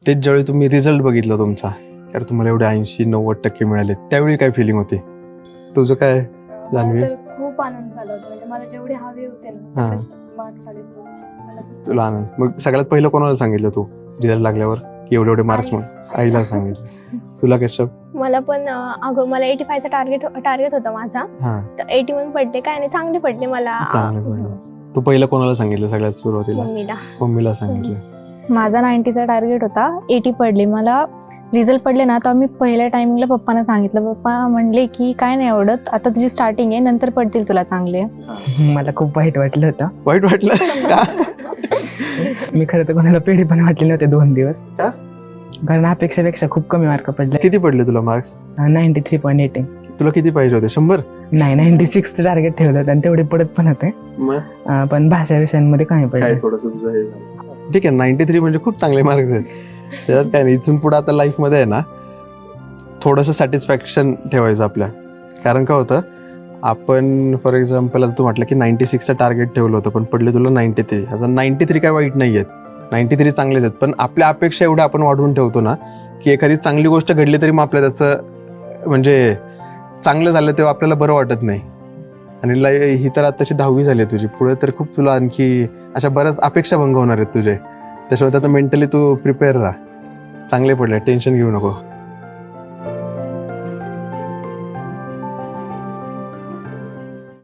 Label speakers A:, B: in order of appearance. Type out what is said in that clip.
A: तेच ज्यावेळी तुम्ही रिझल्ट बघितला तुमचा, तर तुम्हाला एवढे 80-90% मिळाले, त्यावेळी काय फिलिंग होती? तुझं काय
B: मला
A: जान्हवी?
B: तर खूप आनंद झाला होता. म्हणजे मला जेवढे हवे होते ना
A: हा.
B: तेवढेच मार्क्स आले. सो मला खूप
A: तुला आनंद. मग सगळ्यात पहिलं कोणाला सांगितलं तू रिझल्ट लागल्यावर की एवढे एवढे मार्क्स
B: आई-
A: म्हणून? आईला सांगितलं. तुला कशा?
C: मला पण अगं मला 85चा टार्गेट होता माझा.
A: हा,
C: तर 81 पडले, काय नाही चांगले पडले मला.
A: चांगलं पडलं. तू पहिलं कोणाला सांगितलं सगळ्यात सुरुवातीला?
C: मम्मीला.
A: मम्मीला सांगितलं.
D: माझा 90चा टार्गेट होता, 80 पडले. मला रिझल्ट पडले ना, तर मी पहिल्या टायमिंगला पप्पांना सांगितलं. पप्पा म्हणले की काय नाही आवडत, आता तुझी स्टार्टिंग आहे, नंतर पडतील तुला चांगले.
E: मला खूप वाईट वाटलं होतं.
A: वाईट वाटलं का?
E: मी खरं तर कोणाला पेढे पण वाटले नव्हते 2 दिवस.
A: का?
E: कारण अपेक्षेपेक्षा खूप कमी मार्क पडले.
A: किती पडले तुला मार्क्स?
E: 93.18.
A: तुला किती पाहिजे होते? 100?
E: नाही, 96 टार्गेट ठेवलं होतं आणि तेवढे पडत पण होते.
A: मग
E: पण भाषा विषयांमध्ये कमी
A: काय
E: पडले.
A: थोडस तुझं हे झालं. ठीक आहे, 93 म्हणजे खूप चांगले मार्क्स आहेत. त्याच्यात काय नाही. इथून पुढे आता लाईफ मध्ये आहे ना, थोडंसं सॅटिस्फॅक्शन ठेवायचं आपल्या. कारण काय होतं, आपण फॉर एक्झाम्पल आता तू म्हटलं की 96चं टार्गेट ठेवलं होतं पण पडले तुला 93. आता 93 काय वाईट नाही आहेत, 93 चांगलेच आहेत. पण आपल्या अपेक्षा एवढ्या आपण वाढवून ठेवतो ना, की एखादी चांगली गोष्ट घडली तरी मग आपल्या त्याचं म्हणजे चांगलं झालं तेव्हा आपल्याला बरं वाटत नाही. आणि ही तर आता तशी 10वी झाली आहे तुझी, पुढे तर खूप तुला आणखी अशा बऱ्याच अपेक्षा भंग होणार आहेत तुझे. त्याशिवाय आता मेंटली तू प्रिपेअर राहा. चांगले पडले, टेन्शन घेऊ नको.